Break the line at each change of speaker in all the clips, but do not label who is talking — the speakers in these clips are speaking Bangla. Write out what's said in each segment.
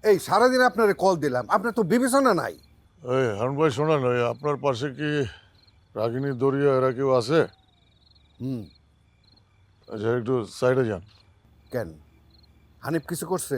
এই সারাদিন আপনারে কল দিলাম, আপনার তো বিবেচনা নাই।
এই হারুন ভাই শোনেন, ওই আপনার পাশে কি রাগিনী দরিয়া এরা কেউ আছে?
হুম।
আচ্ছা একটু সাইডে যান।
কেন, হানিফ কিছু করছে?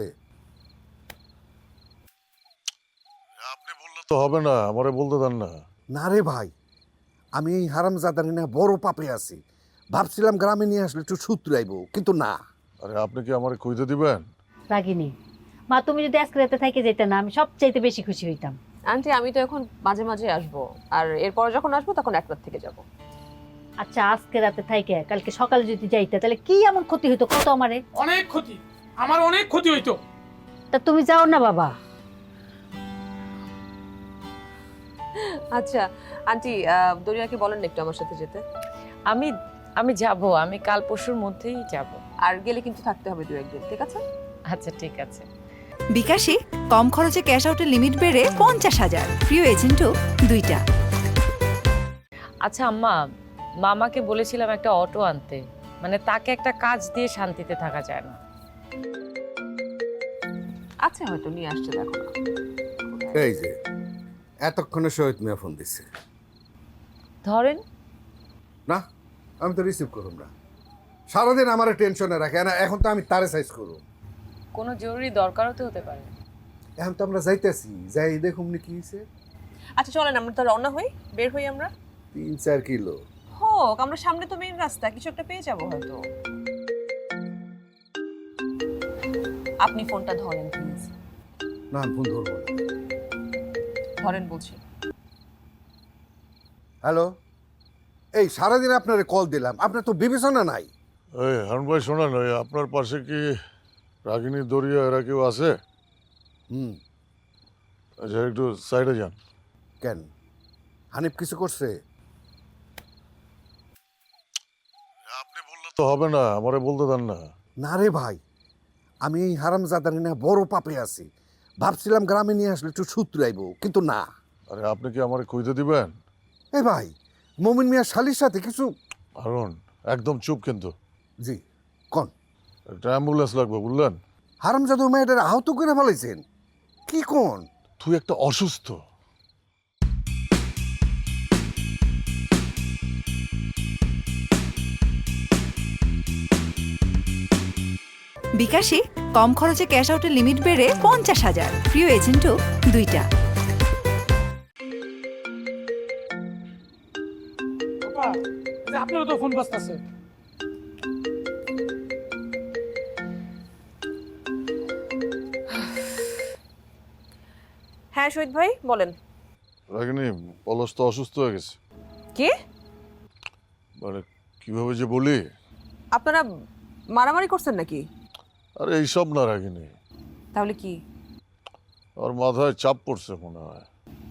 আপনি বললে তো হবে না, আমারে বলতে দেন না।
না রে ভাই, আমি এই হারামজাদারি না বড় পাপে আছি। ভাবছিলাম গ্রামে নিয়ে আসলে একটু সুতরাইব, কিন্তু না।
আরে আপনি কি আমারে কইতে দিবেন?
রাগিনী মা, তুমি যদি আজকে রাতে থেকে যেতে না, আমি সবচাইতে বেশি খুশি হইতাম।
আন্টি আমি তো এখন মাঝে মাঝে আসবো, আর এরপর যখন আসবো তখন এক রাত থেকে যাব।
আচ্ছা আজকে রাতে থাইকে কালকে সকালে যদি যাইতে তাহলে কি এমন ক্ষতি হইতো কত আমারে?
অনেক ক্ষতি, আমার অনেক ক্ষতি হইতো।
তা তুমি যাও না বাবা।
আচ্ছা আন্টি, দরিয়াকে বলেন না একটু আমার সাথে যেতে।
আমি আমি যাব, আমি কাল পরশুর মধ্যেই যাব।
আর গেলে কিন্তু থাকতে হবে 2-1 দিন, ঠিক আছে?
আচ্ছা ঠিক আছে।
বিকাশে কম খরচে ক্যাশ আউটের লিমিট বেড়ে 50,000, প্রিয় এজেন্টও 2টা।
আচ্ছা আম্মা, মামাকে বলেছিলাম একটা অটো আনতে, মানে তাকে একটা কাজ দিয়ে শান্তিতে থাকা যায় না।
আচ্ছা হয়তো নিয়ে আসছে, দেখো না।
এই যে এতক্ষণে শহীদ মিয়া ফোন দিচ্ছে।
ধরেন।
না, আমি তো রিসিভ করুম না। সারাদিন আমার টেনশনে রাখে না, এখন তো আমি তারে সাইজ করুম।
কোনো জরুরি দরকারও তো হতে পারে।
এখন তো আমরা যাইতেছি, যাই দেখুম নি কি হয়েছে।
আচ্ছা চলেন আমরা তো রওনা হই, বের হই আমরা।
3-4 কিলো
হোক, আমরা সামনে তো মেইন রাস্তা, কিছু একটা পেয়ে যাবো হয়তো। আপনি ফোনটা ধরেন প্লিজ।
না, আমি ফোন ধরবো না।
ধরেন বলছি।
হ্যালো, এই সারাদিন আপনারে কল দিলাম, আপনার তো বিবেচনা নাই।
এই হারুন ভাই শোনেন, ওই আপনার পাশে কি রাগিনী দরিয়া এরা কেউ আছে?
হুম।
আচ্ছা একটু সাইডে যান।
কেন, হানিফ কিছু করছে?
আপনি বললে তো হবে না, আমারে বলতে দেন না।
না রে ভাই, আমি এই হারামজাদারি না বড় পাপে আছি। ভাবছিলাম গ্রামে নিয়ে আসলে একটু সুতরাইব, কিন্তু না।
আরে আপনি কি আমারে কইতে দিবেন?
এই ভাই, মমিন মিয়া শালির সাথে কিছু।
হারুন একদম চুপ কিন্তু।
জি, কোন?
একটা অ্যাম্বুলেন্স লাগবে বুঝলেন?
হারামজাদা মেয়েটার আহত করে ফেলাইছেন কি কোন?
তুই একটা অসুস্থ।
বিকাশে কম খরচে ক্যাশ আউটের লিমিট বেড়ে 50,000, প্রিয় এজেন্টও 2টা।
বাবা, যে আপনারও তো ফোন বাজতেছে।
হ্যাঁ শহীদ ভাই বলেন।
রাগিনী পলাশ তো অসুস্থ হয়ে গেছে।
কি?
মানে কিভাবে যে বলি।
আপনারা মারামারি করছেন নাকি?
আরে এইসব না রাগিনী,
তাহলে কি?
ওর মাথায় চাপ পড়ছে মনে হয়।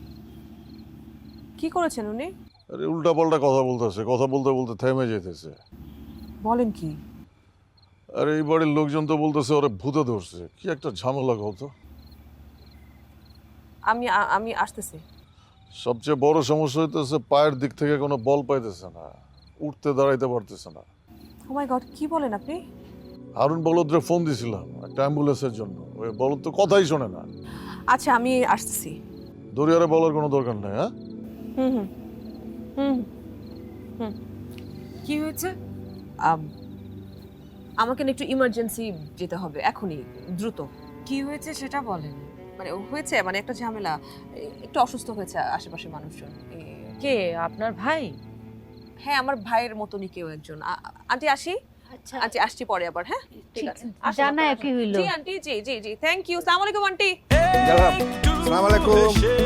কি করেছেন উনি?
আরে উল্টা পাল্টা কথা বলতেছে, কথা বলতে বলতে থেমে যেতেছে।
বলেন কি?
আর এই বাড়ির লোকজন তো বলতেছে ওরে ভূতে ধরছে। কি একটা ঝামেলা কত।
আমি আমি আসতেছি।
সবচেয়ে বড় সমস্যা হইতেছে পায়ের দিক থেকে কোনো বল পাইতেছে না, উঠতে দাঁড়াইতে পারতেছে না।
ও মাই গড, কি বলেন আপনি?
হারুন বলদরে ফোন দিছিলাম একটা অ্যাম্বুলেন্সের জন্য, ওই বলদ তো কথাই শোনে না।
আচ্ছা আমি আসতেছি।
দরিয়ারে বলার কোনো দরকার নেই। হ্যাঁ
হুম হুম হুম হুম।
কি হয়েছে?
আমাকে না একটু ইমার্জেন্সি যেতে হবে এখনই, দ্রুত।
কি হয়েছে সেটা বলেন।
মানে হয়েছে, মানে একটা ঝামেলা, একটু অসুস্থ হয়েছে আশেপাশের মানুষজন।
কে, আপনার ভাই?
হ্যাঁ আমার ভাইয়ের মতনই কেউ একজন। আন্টি আসি।
আচ্ছা
আন্টি আসছি পরে আবার। হ্যাঁ ঠিক আছে, আসুন
জানা
আপনারা,
কি
আসুন।
হইলো?
জি আন্টি, জি জি জি, থ্যাংক ইউ। আসসালামু আলাইকুম আন্টি।
আসসালামু আলাইকুম।